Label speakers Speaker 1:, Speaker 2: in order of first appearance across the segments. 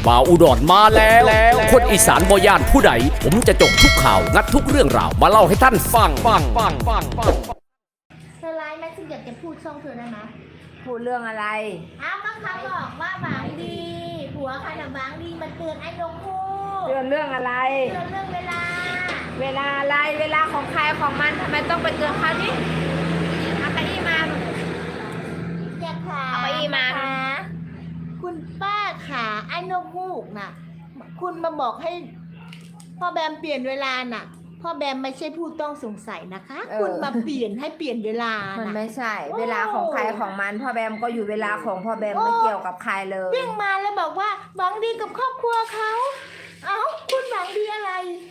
Speaker 1: บ่าวอุดรมาแล้วคนอีสานบ่ย่านผู้ใดผมจะจบทุกข่าวงัดทุกเรื่องราวมาเล่าให้ท่านฟัง
Speaker 2: เธอไลฟ์ไหมฉันอยากจะพูดช่องเธอได้ไหม
Speaker 3: พูดเรื่องอะไร
Speaker 2: อ้าวก็เขาบอกว่าหวังดีผัวใครน่ะหวังดีมันเตือนไอ้นกฮูก
Speaker 3: เตือนเรื่องอะไร
Speaker 2: เตือนเรื่องเวลา
Speaker 3: เวลาอะไร เวลาของใครของมันทำไมต้องไปเตือนเขานี่เอาเก้าอี้มา
Speaker 2: แกขา
Speaker 3: เอาเก้าอี้มา
Speaker 2: คุณป้าขาไอ้นกฮูกน่ะ คุณมาบอกให้พ่อแบมเปลี่ยนเวลาน่ะพ่อแบมไม่ใช่ผู้ต้องสงสัยนะคะ คุณมาเปลี่ยนให้เปลี่ยนเวลา
Speaker 3: มัน
Speaker 2: น่ะ
Speaker 3: ไม่ใช่ เวลาของใครของมันพ่อแบมก็อยู่เวลาของพ่อแบมไม่เกี่ยวกับใครเลย
Speaker 2: วิ่งมาแล้วบอกว่าหวังดีกับครอบครัวเขาเอ้าคุณหวังดีอะไร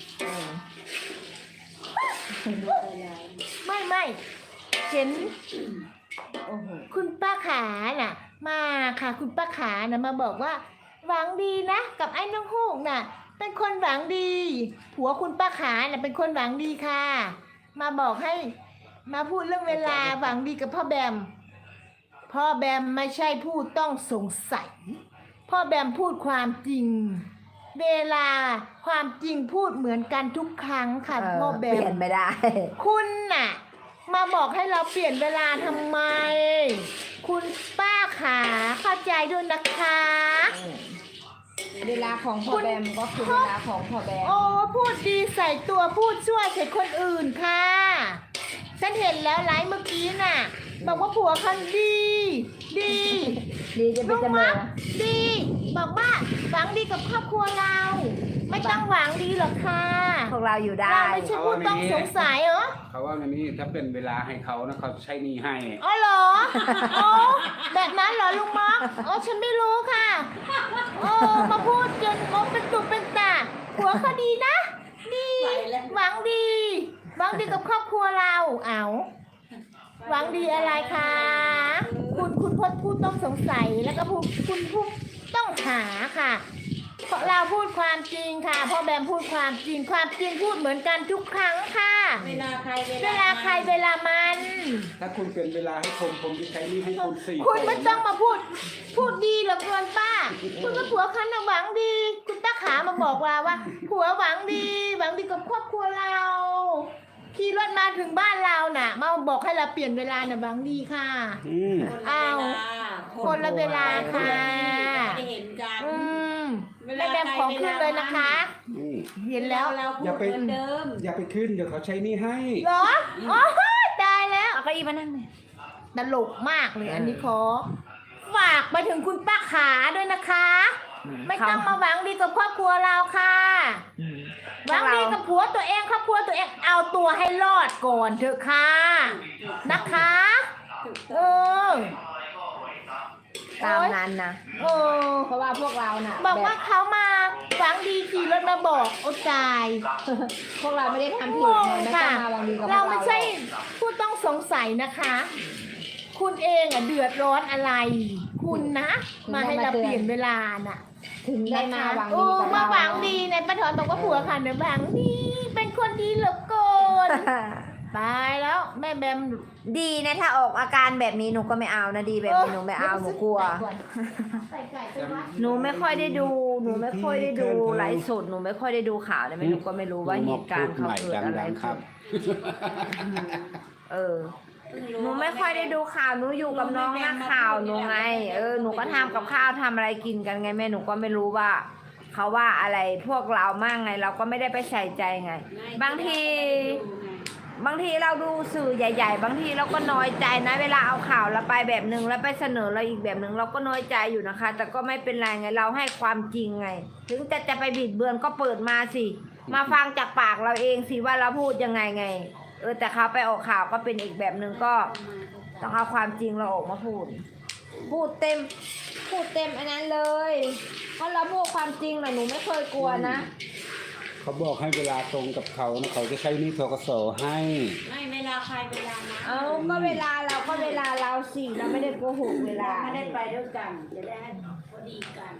Speaker 2: ไม่เห็นคุณป้าขาน่ะ มาค่ะ คุณป้าขาน่ะมาบอกว่า หวังดีนะกับไอ้น้องฮูกน่ะ เป็นคนหวังดีผัวคุณป้าขาน่ะเป็นคนหวังดีค่ะ มาบอกให้ มาพูดเรื่องเวลาหวังดีกับพ่อแบมพ่อแบมไม่ใช่ผู้ต้องสงสัยพ่อแบมพูดความจริง เวลาความจริงพูดเหมือนกันทุกครั้งค่ะพ่อแบ
Speaker 3: เปลี่ย
Speaker 2: ม
Speaker 3: นไม่ได้
Speaker 2: คุณน่ะ มาบอกให้เราเปลี่ยนเวลาทำไม คุณป้าขาเข้าใจด้วยนะคะ
Speaker 3: เวลาของพ่อแบมก็คือเวลาของพ่อแบม
Speaker 2: โอ้พูดดีใส่ตัวพูดชั่วใส่คนอื่นค่ะฉันเห็นแล้วไลฟ์เมื่อกี้น่ะบอกว่าผัวคันดีดี
Speaker 3: ดีจะเป็นจำเลย
Speaker 2: ดีบอกว่าหวังดีกับครอบครัวเรา ไม่ต้องหวังดีหรอกค่ะ
Speaker 3: พวกเราอยู่ได้
Speaker 2: เราไม่ใช่ผู้ต้องสงสัยเหรอ
Speaker 4: เขาว่าอย่างนี้ถ้าเป็นเวลาให้เขานะเขาใช้หนี่ให้
Speaker 2: อ๋อเหรออ๋อแบบนั้นเหรอลุงม็อกอ๋อฉันไม่รู้ค่ะโอ้มาพูดจนงบเป็นตุเป็นตาผัวเขาดีนะ ดีหวังดีหวังดีกับครอบครัวเราเอาหวังดีอะไรคะคุณพจน์พูดต้องสงสัยแล้วก็คุณพูดต้องหาค่ะเพราะเราพูดความจริงค่ะพ่อแบมพูดความจริงพูดเหมือนกันทุกครั้งค่ะ
Speaker 5: เวลาใคร
Speaker 2: เวลาใครเวลามัน
Speaker 4: ถ้าคุณเป็นเวลาให้ผมจะใช้หนี่ให้คุณ4
Speaker 2: คุณไม่ต้องมาพูดดีเหลือเกินป้า คุณก็ผัวคันหวังดี คุณป้าขามาบอกเราว่า ผัวหวังดีกับครอบครัวเราขี่รถมาถึงบ้านเราน่ะ มาบอกให้เราเปลี่ยนเวลาน่ะหวังดีค่ะ เอาคนละเวลาค่ะ
Speaker 5: ไม่ได้เห็นกัน
Speaker 2: ไม่แบ่งของขึ้นเลยนะคะ เห็นแล้ว
Speaker 5: เราพูดเหมือนเดิม
Speaker 4: อย่าไปขึ้นเดี๋ยวเขาใช้หนี่ให้
Speaker 2: เหรออ๋อตายแล้ว
Speaker 3: เอาเก้าอี้มานั่งเลย
Speaker 2: ตลกมากเลยอันนี้ขอฝากไปถึงคุณป้าขาด้วยนะคะ ไม่ต้องมาหวังดีกับครอบครัวเราค่ะหวังดีกับผัวตัวเองครอบครัวตัวเองเอาตัวให้รอดก่อนเถอะค่ะนะคะเออ
Speaker 3: ตามนั้นนะ
Speaker 2: เออ
Speaker 3: เพราะว่าพวกเราน่ะ
Speaker 2: บอกว่าเขามาหวังดีขี่รถมาบอกโอ้ตาย
Speaker 3: พวกเราไม่ได้ทำผิ
Speaker 2: ง
Speaker 3: ด
Speaker 2: ง
Speaker 3: ไม่ต้
Speaker 2: ค่ะ
Speaker 3: องมาวังดีกับพวก
Speaker 2: เรา
Speaker 3: เรา
Speaker 2: ไม่ใช่ผู้ต้องสงสัยนะคะ คุณเองเดือดร้อนอะไร คุณนะ มาให้เราเปลี่ยนเวลาน่ะ
Speaker 3: ถึงได้มาหวัง
Speaker 2: โอ้
Speaker 3: ดีกับ
Speaker 2: มา
Speaker 3: เรา
Speaker 2: หวังดีเนี่ยป้าถอนบอกว่าผัวค่ะเนี่ยหวังดีเป็นคนดีเหลือเกินตายแล้วแม่แบม
Speaker 3: ดีนะถ้าออกอาการแบบนี้หนูก็ไม่เอานะดีแบบนี้หนูไม่เอาหนูกลัว
Speaker 2: ใส่ไก่ไปวัด
Speaker 3: หนูไม่ค่อยได้ดูไลฟ์สดหนูไม่ค่อยได้ดูข่าวเลยหนูก็ไม่รู้ว่าเหตุการณ์เขาเกิดอะไร
Speaker 4: ครั
Speaker 3: ขึ้
Speaker 4: บ
Speaker 3: นหนูไม่ค่อยได้ดูข่าวหนูอยู่กับน้องนักข่าวหนูไงหนูก็ทำกับข้าวทำอะไรกินกันไงแม่หนูก็ไม่รู้ว่าเขาว่าอะไรพวกเรามากไงเราก็ไม่ได้ไปใส่ใจไง บางทีเราดูสื่อใหญ่ๆบางทีเราก็น้อยใจนะเวลาเอาข่าวเราไปแบบนึงแล้วไปเสนอเราอีกแบบนึงเราก็น้อยใจอยู่นะคะ แต่ก็ไม่เป็นไรไงเราให้ความจริงไง ถึงจะไปบิดเบือนก็เปิดมาสิมาฟังจากปากเราเองสิว่าเราพูดยังไงแต่เขาไปออกข่าวก็เป็นอีกแบบนึงก็ต้องเอาความจริงเราออกมาพูดเต็มอันนั้นเลยเพราะเราพูดความจริงนะหนูไม่เคยกลัวนะ
Speaker 4: เขาบอกให้เวลาตรงกับเขานะเขาจะใช้หนี่ธกสให้
Speaker 5: ไม่เวลาใครเวลามัน
Speaker 3: เอาก็เวลาเราสิเราไม่ได้โกหกเวลา
Speaker 5: ไม่ได้ไปด้วยกัน จะได้ให้พอดีกัน